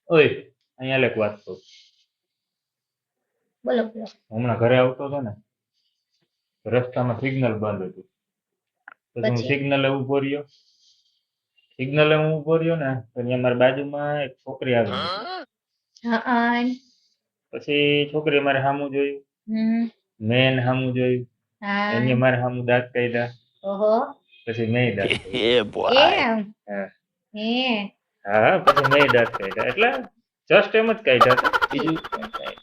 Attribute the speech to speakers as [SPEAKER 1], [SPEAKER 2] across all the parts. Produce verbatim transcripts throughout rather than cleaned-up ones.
[SPEAKER 1] ઓય અહીંયા લેક વાત તો
[SPEAKER 2] બોલો બોલો.
[SPEAKER 1] હમણાં ઘરે આવતો હતો ને રસ્તામાં સિગ્નલ બંધ હતું પછી હું
[SPEAKER 2] પછી?
[SPEAKER 1] સિગ્નલે ઉભો રહ્યો સિગ્નલે હું ઉભો રહ્યો ને તો અહીંયા મારી બાજુમાં એક છોકરી આવી
[SPEAKER 2] હા.
[SPEAKER 1] પછી છોકરીએ મારે સામું જોયું
[SPEAKER 2] હમ.
[SPEAKER 1] મેં એને સામું જોયું
[SPEAKER 2] હા.
[SPEAKER 1] એને મારે સામું દાંત કાઢ્યા
[SPEAKER 2] ઓહો.
[SPEAKER 1] પછી મેં દાંત કાઢ્યા.
[SPEAKER 3] Yeah, boy.
[SPEAKER 2] એમ
[SPEAKER 1] હા
[SPEAKER 2] હે
[SPEAKER 1] હા પછી મેં દાંત કાઢ્યા એટલે જસ્ટ એમ જ કાઢ્યા હતા બીજું કાંઈ કાંઈ.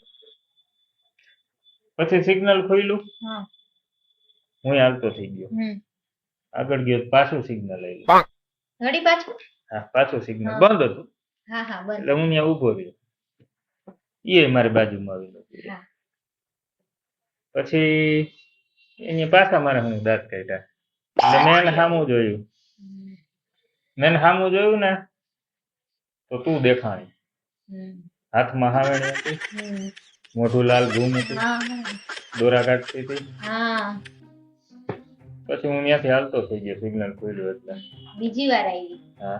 [SPEAKER 1] પછી સિગ્નલ ખોલ્યું
[SPEAKER 2] હા.
[SPEAKER 1] હું હાલતો થઈ ગયો
[SPEAKER 2] હમ.
[SPEAKER 1] આગળ ગયો તો પાછું સિગ્નલ આવ્યું
[SPEAKER 2] ઘડી પાછું.
[SPEAKER 1] હા પાછું સિગ્નલ
[SPEAKER 2] હા.
[SPEAKER 1] બંધ હતું
[SPEAKER 2] હા હા બંધ.
[SPEAKER 1] એટલે હું ત્યાં ઊભો રહ્યો એ મારી બાજુમાં આવેલો
[SPEAKER 2] હા.
[SPEAKER 1] પછી એની પાછા મારે હું દાંત કાઢ્યા એટલે મેં એને સામું જોયું
[SPEAKER 2] હમ.
[SPEAKER 1] મેં એને સામું જોયું ને તો તું દેખાણી
[SPEAKER 2] હમ.
[SPEAKER 1] હાથમાં હાવેણી હતી
[SPEAKER 2] હમ.
[SPEAKER 1] મોઢું લાલ ઘૂમ હતું
[SPEAKER 2] હા હા.
[SPEAKER 1] દોરા કાઢતી હતી
[SPEAKER 2] હા
[SPEAKER 1] પછી હું ત્યાંથી હાલતો થઈ ગયો સિગ્નલ ખોલ્યું એટલે
[SPEAKER 2] બીજી વાર આવી.
[SPEAKER 1] હા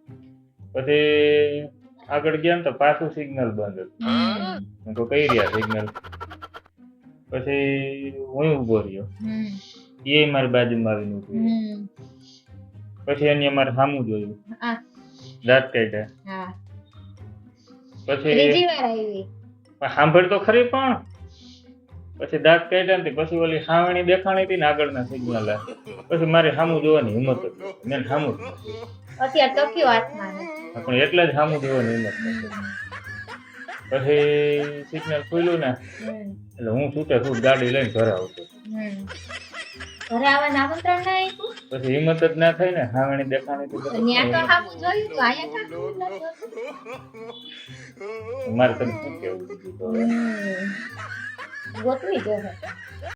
[SPEAKER 1] પછી આગળ ગયા ને તો પાછું સિગ્નલ બંધ હતું
[SPEAKER 2] હમ.
[SPEAKER 1] હું તો કઈ રહ્યા સિગ્નલ પછી હું ઊભો રહ્યો
[SPEAKER 2] હમ.
[SPEAKER 1] એ મારી બાજુમાં આવીને ઊભું રહ્યું.
[SPEAKER 2] હમ.
[SPEAKER 1] પછી એને મારે સામું જોયું
[SPEAKER 2] હા
[SPEAKER 1] દાંત કાઢ્યા
[SPEAKER 2] હા.
[SPEAKER 1] પછી
[SPEAKER 2] ત્રીજી વાર આવી.
[SPEAKER 1] સાંભળ તો ખરી પણ પછી દાંત કાઢ્યા ને પછી ઓલી સાવણી દેખાણી હતી ને આગળના સિગ્નલ પછી મારે સામું જોવાની હિંમત જ નહોતી. મેં સામું જ નથી
[SPEAKER 2] અત્યારે તો કયો હાથમાં નથી.
[SPEAKER 1] પણ એટલે જ સામું જોવાની હિંમત નથી. પછી સિગ્નલ ખુલ્યું ને
[SPEAKER 2] હમ.
[SPEAKER 1] એટલે હું છૂટે છૂટ ગાડી લઈને ઘરે આવતો
[SPEAKER 2] હમ. ઘરે આવવાનું આમંત્રણ ના આપ્યું?
[SPEAKER 1] પછી હિંમત જ ના થઈ ને સાવણી દેખાણી હતી
[SPEAKER 2] તો ન્યા તો સામું જોયું તો અહીંયા કાં સામું નતું જોતું?
[SPEAKER 1] મારે તને શું કેવું બીજું તો હવે.
[SPEAKER 2] હમ. ગોતવી જોઈએ.